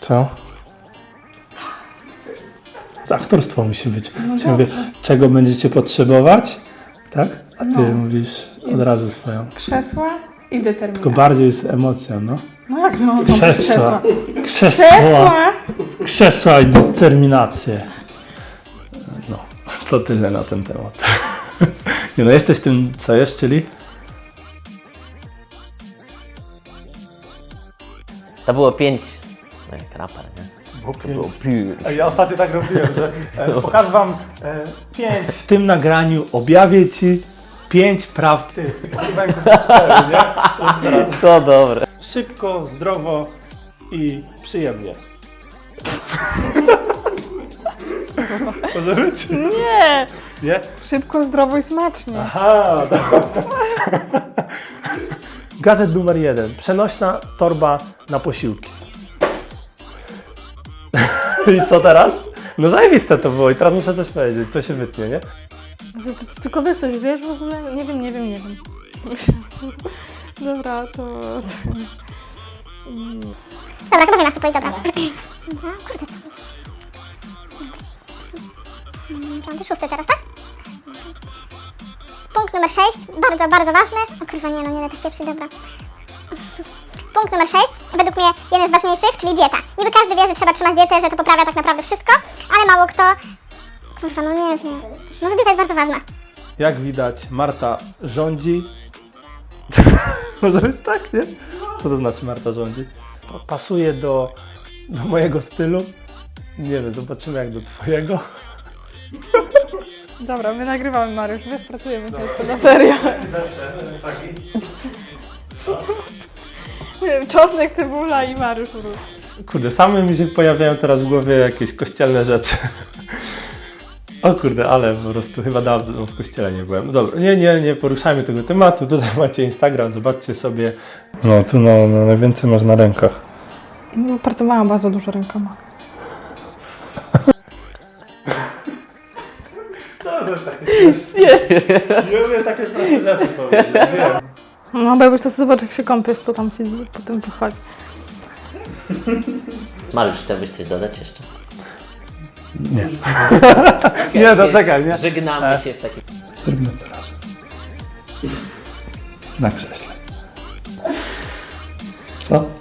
Co? Aktorstwo musi być. No Czyli mówię, czego będziecie potrzebować, tak? A ty mówisz od razu swoją. Krzesła i determinacja. Tylko bardziej z emocją, no. No jak znowu Krzesła. Krzesła! Krzesła i determinację. No, to tyle na ten temat. Nie no, jesteś tym, co jest, czyli? To było 5. No jak raper, nie? To było 5. Ja ostatnio tak robiłem, że pokażę wam 5. W tym nagraniu objawię ci 5 prawd. Pokazywałem 4, nie? To dobre. Szybko, zdrowo i przyjemnie. Może być? Nie! Nie? Szybko, zdrowo i smacznie. Aha, dobra. Gadżet numer 1. Przenośna torba na posiłki. I co teraz? No zajebiste to było i teraz muszę coś powiedzieć, to się wytnie, nie? To tylko wy coś wiesz w ogóle? Nie wiem. Dobra, to... Dobra, chyba wiem, jak to powiedzieć, dobra. Aha, kurde, co? Piąty, szósty teraz, tak? Punkt numer 6, bardzo, bardzo ważny. O kurwa, nie da tak pieprzy, dobra. Punkt numer 6, według mnie jeden z ważniejszych, czyli dieta. Niby każdy wie, że trzeba trzymać dietę, że to poprawia tak naprawdę wszystko, ale mało kto... Kurwa, no nie wiem. Może dieta jest bardzo ważna. Jak widać, Marta rządzi. Może być tak, nie? Co to znaczy Marta rządzi? Pasuje do mojego stylu. Nie wiem, zobaczymy jak do twojego. Dobra, my nagrywamy, Mariusz, wiesz, pracujemy ciężko na serio. Nie wiem, czosnek, cebula i Mariusz róż. Kurde, same mi się pojawiają teraz w głowie jakieś kościelne rzeczy. O kurde, ale po prostu chyba dawno w kościele nie byłem. No dobra, nie poruszajmy tego tematu. Tutaj macie Instagram, zobaczcie sobie. No, tu no najwięcej masz na rękach. No, pracowałam bardzo dużo rękoma. Co to jest takie? Nie umiem takie proste rzeczy powiedzieć, wiem. No, bo jakbyś to zobacz, jak się kąpiesz, co tam ci potem wychodzi. Mariusz, chciałbyś coś dodać jeszcze? Nie. Okay, Nie, no czekaj, nie? Żegnamy się w takim... Zróbmy to razem. Na krześle. Co?